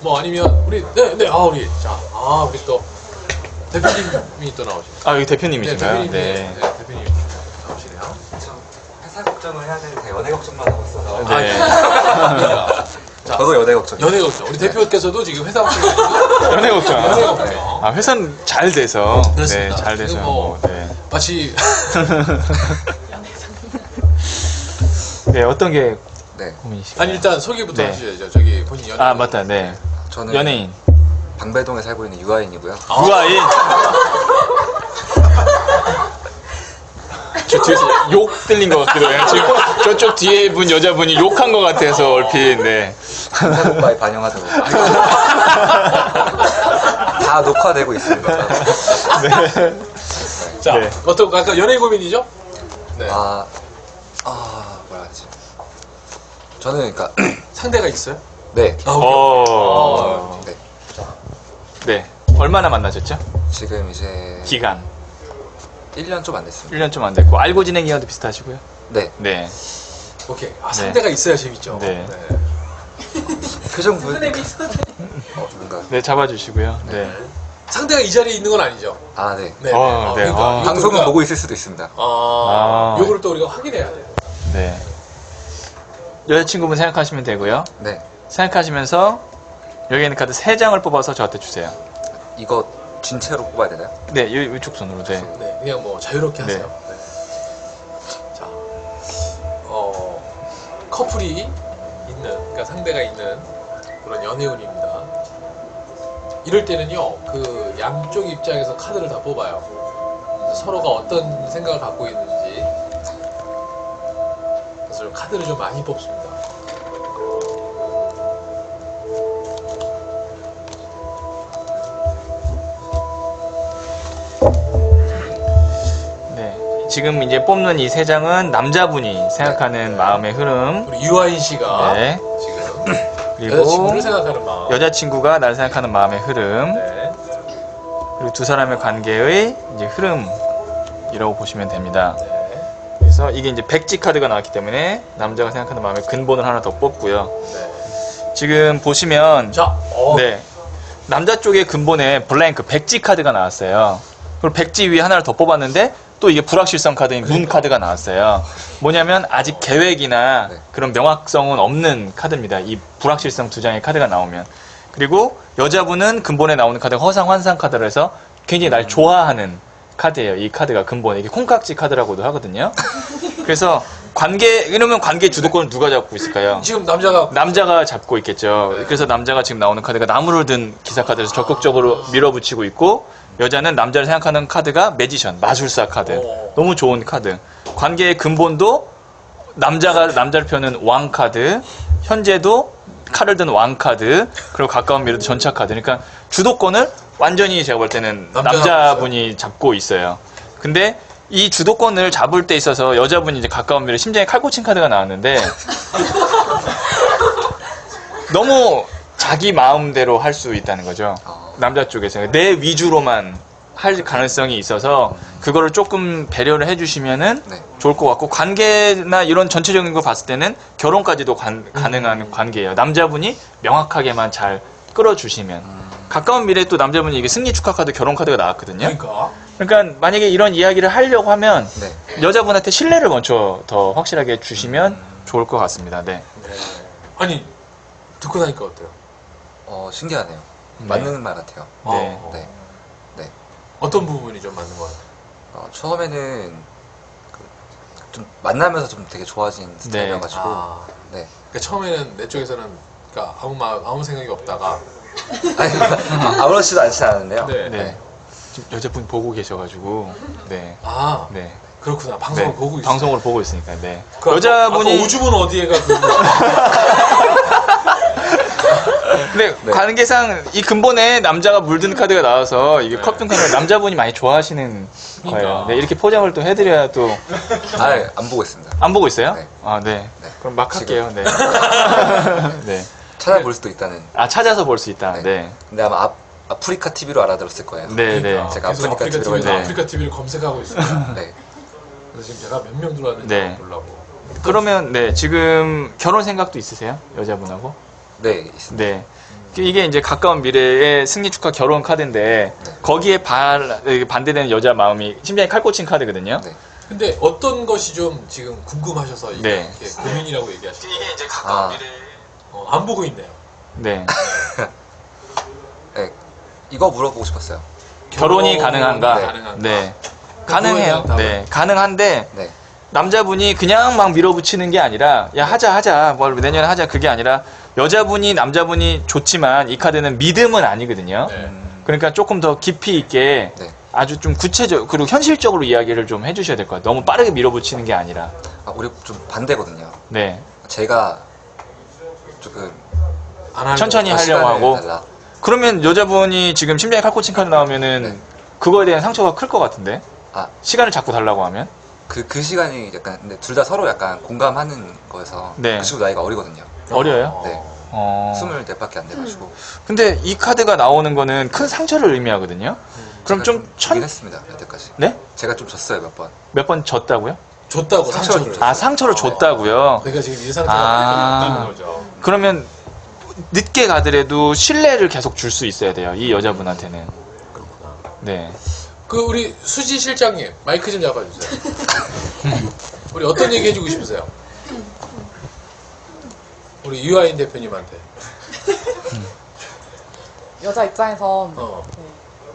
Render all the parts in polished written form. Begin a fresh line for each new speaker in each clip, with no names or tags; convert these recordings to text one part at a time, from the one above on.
뭐 아니면 우리 우리 우리 또 대표님이 또 나오시네요.
아, 여기 대표님이신가요?
대표님 나오시네요.
회사 걱정을 해야 되는데 연애 걱정만 하고 있어서.
네.
자,
저도 연애 걱정.
연애 걱정. 우리 대표께서도 지금 회사 걱정이 아니고
연애 걱정.
연애 걱정.
아, 회사는 잘 돼서.
그렇습니다.
네, 잘 돼서.
그리고 뭐
네.
마치
네, 어떤 게
네.
고민이실까요?
아니 일단 소개부터
네.
하셔야죠. 저기 본인 연애.
아, 맞다. 네.
저는
연예인.
방배동에 살고 있는 유아인이고요.
유아인. 저 뒤에서 욕 들린 것 같기도 해요. 지금 저쪽 뒤에 분 여자분이 욕한 것 같아서 얼핏. 네.
인사 오빠에 반영하도록. 다 녹화되고 있습니다.
자,
네.
어떤 아까 연애 고민이죠? 네.
뭐라 하지? 저는 그러니까
상대가 있어요?
네.
오케이.
네.
네. 얼마나 만나셨죠?
지금 이제
기간.
1년 좀 안 됐습니다.
1년 좀 안 됐고. 알고 지낸 기간도 비슷하시고요.
네.
네.
오케이. 상대가 있어야 재밌죠.
네.
표정 뭔가.
네, 잡아주시고요. 네.
상대가 이 자리에 있는 건 아니죠.
네.
네.
네.
그러니까 이것도
방송은
우리가-
보고 있을 수도 있습니다.
요거를 또 우리가 확인해야 돼요.
네. 여자친구분 생각하시면 되고요.
네.
생각하시면서 여기 있는 카드 3장을 뽑아서 저한테 주세요.
이거 진채로 뽑아야 되나요?
네, 이쪽 손으로. 네.
네, 그냥 뭐 자유롭게
네.
하세요. 네. 자, 커플이 있는, 그러니까 상대가 있는 그런 연애운입니다. 이럴 때는요, 그 양쪽 입장에서 카드를 다 뽑아요. 서로가 어떤 생각을 갖고 있는지. 그래서 카드를 좀 많이 뽑습니다.
네. 지금 이제 뽑는 이 3장은 남자분이 생각하는 마음의 흐름.
우리 유아인 씨가
네.
지금
그리고
여자친구를 생각하는 마음.
여자친구가 나를 생각하는 마음의 흐름.
네.
그리고 두 사람의 관계의 이제 흐름이라고 보시면 됩니다.
네.
그래서 이게 이제 백지 카드가 나왔기 때문에 남자가 생각하는 마음의 근본을 하나 더 뽑고요.
네.
지금 보시면
자,
네. 남자 쪽의 근본에 블랭크 백지 카드가 나왔어요. 그리고 백지 위에 하나를 더 뽑았는데 또 이게 불확실성 카드인 문 카드가 나왔어요. 뭐냐면 아직 계획이나
네.
그런 명확성은 없는 카드입니다. 이 불확실성 2장의 카드가 나오면. 그리고 여자분은 근본에 나오는 카드가 허상 환상 카드라 해서 굉장히 날 좋아하는 카드예요. 이 카드가 근본에 이게 콩깍지 카드라고도 하거든요. 그래서 이러면 관계 주도권을 누가 잡고 있을까요?
지금 남자가
잡고 있겠죠. 그래서 남자가 지금 나오는 카드가 나무를 든 기사 카드에서 적극적으로 밀어붙이고 있고, 여자는 남자를 생각하는 카드가 매지션, 마술사 카드. 너무 좋은 카드. 관계의 근본도 남자를 펴는 왕 카드, 현재도 칼을 든 왕 카드, 그리고 가까운 미래도 전차 카드. 그러니까 주도권을 완전히 제가 볼 때는 남자분이 잡고 있어요. 근데 이 주도권을 잡을 때 있어서 여자분이 이제 가까운 미래 심장에 칼 꽂힌 카드가 나왔는데 너무 자기 마음대로 할 수 있다는 거죠. 남자 쪽에서 내 위주로만 할 가능성이 있어서 그거를 조금 배려를 해주시면은
네.
좋을 것 같고, 관계나 이런 전체적인 거 봤을 때는 결혼까지도 가능한 관계예요. 남자분이 명확하게만 잘 끌어주시면. 가까운 미래에 또 남자분이 이게 승리 축하 카드, 결혼 카드가 나왔거든요. 그러니까 만약에 이런 이야기를 하려고 하면
네.
여자분한테 신뢰를 먼저 더 확실하게 주시면 좋을 것 같습니다. 네.
아니 듣고 나니까 어때요?
신기하네요.
네.
맞는 말 같아요.
네.
네. 네.
어떤 부분이 좀 맞는 것 같아요?
처음에는 좀 만나면서 좀 되게 좋아진 스타일이어가지고. 네.
그러니까 처음에는 내 쪽에서는 그러니까 아무 생각이 없다가
아니, 아무렇지도 않지 않은데요.
네.
네. 지금 여자분 보고 계셔가지고 네. 네.
그렇구나. 방송을
네.
보고 있어요.
방송으로 보고 있으니까. 네.
그
여자분이
아까 오주분 어디에가
네, 관계상 이 근본에 남자가 물든 카드가 나와서 이게 컵든 카드가 남자분이 많이 좋아하시는 거예요. 네, 이렇게 포장을 또 해드려야 또.
안 보고 있습니다.
안 보고 있어요?
네.
아, 네.
네.
그럼 막 할게요. 네. 네.
찾아볼 수도 있다는.
찾아서 볼 수 있다. 네.
네. 근데 아마 아프리카 TV로 알아들었을 거예요.
네, 네.
제가
계속
아프리카 TV로
네.
아프리카 TV를 검색하고 있습니다.
네.
그래서 지금 제가 몇 명 들어왔는지
네.
보려고.
그러면 네, 지금 결혼 생각도 있으세요? 여자분하고?
네, 있습니다.
네. 이게 이제 가까운 미래의 승리 축하 결혼 카드인데
네.
거기에 반대되는 여자 마음이 심장에 칼꽂힌 카드거든요.
네.
근데 어떤 것이 좀 지금 궁금하셔서
네.
이렇게 고민이라고 얘기하시죠?
이게 이제
아.
안 보고 있네요.
네.
네, 이거 물어보고 싶었어요.
결혼이 가능한가?
네.
가능한가?
네.
그거에
가능해요.
대한
네. 가능한데
네,
남자분이 그냥 막 밀어붙이는 게 아니라 야 하자 뭘 내년에 하자 그게 아니라 여자분이 남자분이 좋지만 이 카드는 믿음은 아니거든요.
네.
그러니까 조금 더 깊이 있게
네.
아주 좀 구체적 그리고 현실적으로 이야기를 좀 해주셔야 될 것 같아요. 너무 빠르게 밀어붙이는 게 아니라.
우리 좀 반대거든요.
네.
제가 조금
안 하려고.
천천히 하려고
시간을
하고.
달라.
그러면 여자분이 지금 심장에 칼꽂힌 카드 나오면은
네.
그거에 대한 상처가 클 것 같은데
아,
시간을 자꾸 달라고 하면.
그 시간이 약간 근데 둘 다 서로 약간 공감하는 거여서
네.
그 친구 나이가 어리거든요.
어려요?
네.
어.
24밖에 안 돼가지고.
근데 이 카드가 나오는 거는 큰 상처를 의미하거든요. 그럼
제가
좀
지긴 했습니다. 여태까지.
네?
제가 좀 졌어요 몇 번.
몇 번 졌다고요?
줬다고
상처를
상처를.
줬어요.
아 상처를 줬다고요.
그러니까 지금 이 상태가
아.
있다는 거죠.
그러면 늦게 가더라도 신뢰를 계속 줄 수 있어야 돼요. 이 여자분한테는.
그렇구나.
네.
그 우리 수지 실장님 마이크 좀 잡아주세요. 우리 어떤 얘기 해주고 싶으세요? 우리 유아인 대표님한테.
여자 입장에선
어.
네,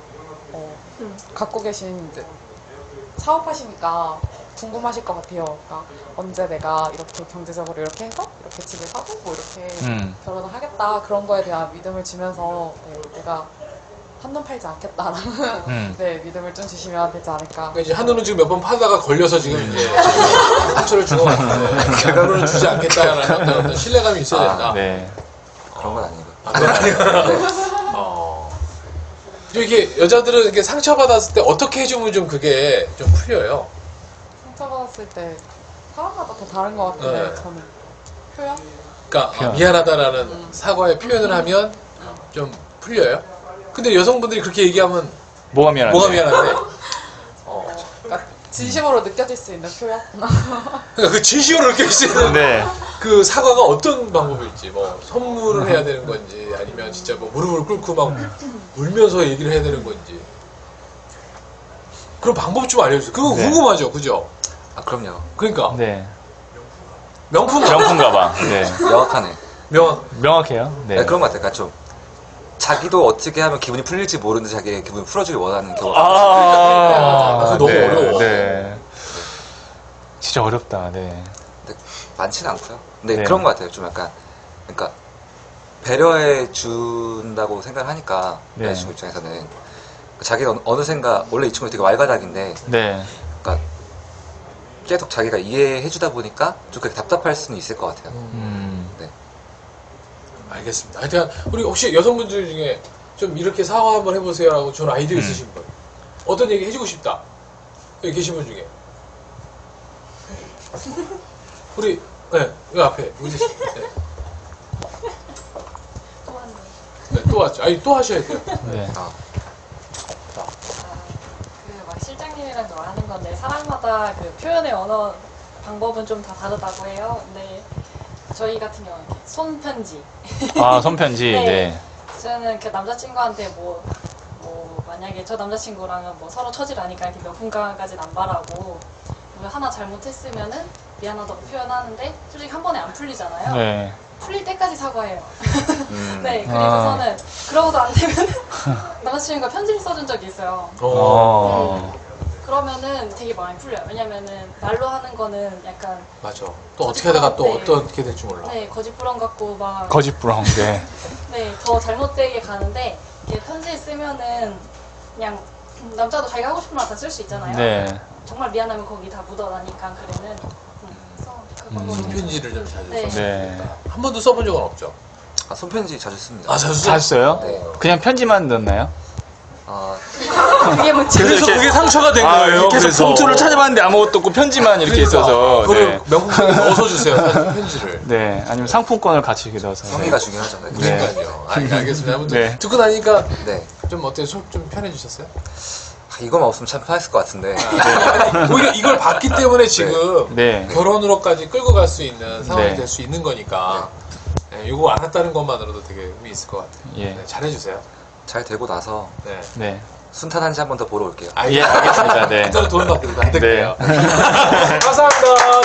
갖고 계신 이제 사업하시니까 궁금하실 것 같아요. 그러니까 언제 내가 이렇게 경제적으로 이렇게 해서 이렇게 집을 사고 뭐 이렇게 결혼을 하겠다 그런 거에 대한 믿음을 주면서 네, 내가 한눈 팔지 않겠다라는 네, 믿음을 좀 주시면 되지 않을까.
그러니까 이제 한우는 지금 몇 번 파다가 걸려서 지금 이제 상처를 준 것 같은데 결론을 주지 않겠다라는 어떤 신뢰감이 있어야 된다.
네.
그런 건 아니고.
아, 그건 아니고.
네.
그리고 이게 여자들은 이렇게 상처받았을 때 어떻게 해주면 좀 그게 좀 풀려요.
상처받았을 때 사람마다 다 다른 것 같은데
네.
저는 표현?
그러니까
표현.
미안하다라는 사과의 표현을 하면 좀 풀려요. 근데 여성분들이 그렇게 얘기하면
뭐가 미안한데?
뭐가 미안한데?
그러니까 진심으로 느껴질 수 있는 표현?
그러니까 그 진심으로 느낄 수 있는
네.
그 사과가 어떤 방법일지, 뭐 선물을 해야 되는 건지, 아니면 진짜 뭐 무릎을 꿇고 막 울면서 얘기를 해야 되는 건지, 그런 방법 좀 알려주세요. 그거
네.
궁금하죠, 그죠?
아 그럼요.
그러니까
네.
명품
명품 가방. 네.
명확하네.
명함.
명확해요. 네.
네, 그런 것 같아요. 그러니까 좀 자기도 어떻게 하면 기분이 풀릴지 모르는데 자기의 기분을 풀어주길 원하는 경우가
아,
그거 너무 어려워.
네. 진짜 어렵다. 네.
근데 많지는 않고요. 근데
네.
그런 것 같아요. 좀 약간 그러니까 배려해 준다고 생각을 하니까
네.
여자친구 입장에서는 자기가 어느샌가 원래 이 친구 되게 왈가닥인데
네.
그러니까 계속 자기가 이해해 주다 보니까 좀 그렇게 답답할 수는 있을 것 같아요. 네.
알겠습니다. 하여튼 우리 혹시 여성분들 중에 좀 이렇게 사과 한번 해보세요라고 좋은 아이디어 있으신 분, 어떤 얘기 해주고 싶다 여기 계신 분 중에 우리 네, 이 앞에 우지 씨. 네. 네, 또 왔죠. 아니 또 하셔야 돼요.
네.
아,
막 실장님이랑 말하는 건데 사람마다 그 표현의 언어 방법은 좀 다 다르다고 해요. 근데 저희 같은 경우는 이렇게 손편지.
아, 손편지.
네.
네.
저는 그 남자친구한테 뭐 만약에 저 남자친구랑은 뭐 서로 처지를 아니까 이렇게 명품가방까지는 안 바라고 뭐 하나 잘못했으면은 미안하다고 표현하는데 솔직히 한 번에 안 풀리잖아요.
네.
풀릴 때까지 사과해요. 네, 그래서는 그러고도 안 되면 남자친구가 편지를 써준 적이 있어요.
어.
그러면은 되게 많이 풀려요. 왜냐면은 말로 하는 거는 약간
맞아. 또 어떻게 하다가 또
네.
어떻게 될지 몰라.
네 거짓부렁 같고 막
거짓부렁. 네.
네, 더 잘못되게 가는데 이렇게 편지 쓰면은 그냥 남자도 자기가 하고 싶은 말 다 쓸 수 있잖아요.
네.
정말 미안하면 거기 다 묻어나니까 그래는 그래서 그 방법은
편지를 좀 자주
네.
써.
네.
한 번도 써본 적은 없죠.
아, 손편지 자주 씁니다.
아 자주 써?
잘 써요?
네.
그냥 편지만 넣나요?
그게 문제.
그래서
이렇게-
그게 상처가 된 거예요.
계속
그래서.
봉투를 찾아봤는데 아무것도 없고 편지만 이렇게
그러니까.
있어서.
그거를
네.
명품에 넣어서 주세요. 편지를.
네. 아니면 상품권을 같이 이렇게 넣어서.
성의가 중요하죠. 네.
네.
그러니까요. 알겠습니다. 아무튼
네.
듣고 나니까
네.
좀 어때요? 속 좀 편해지셨어요?
이거만 없으면 참 편했을 것 같은데.
오히려 이걸 봤기 때문에 지금
네.
결혼으로까지 끌고 갈 수 있는 상황이
네.
될 수 있는 거니까. 예. 네, 이거 알았다는 것만으로도 되게 의미 있을 것 같아요.
예.
네, 잘해주세요.
잘 되고 나서
네.
네.
순탄한지 한 번 더 보러 올게요.
예, 알겠습니다. 네.
그때는 돈 받고 안
네.
될게요. 감사합니다.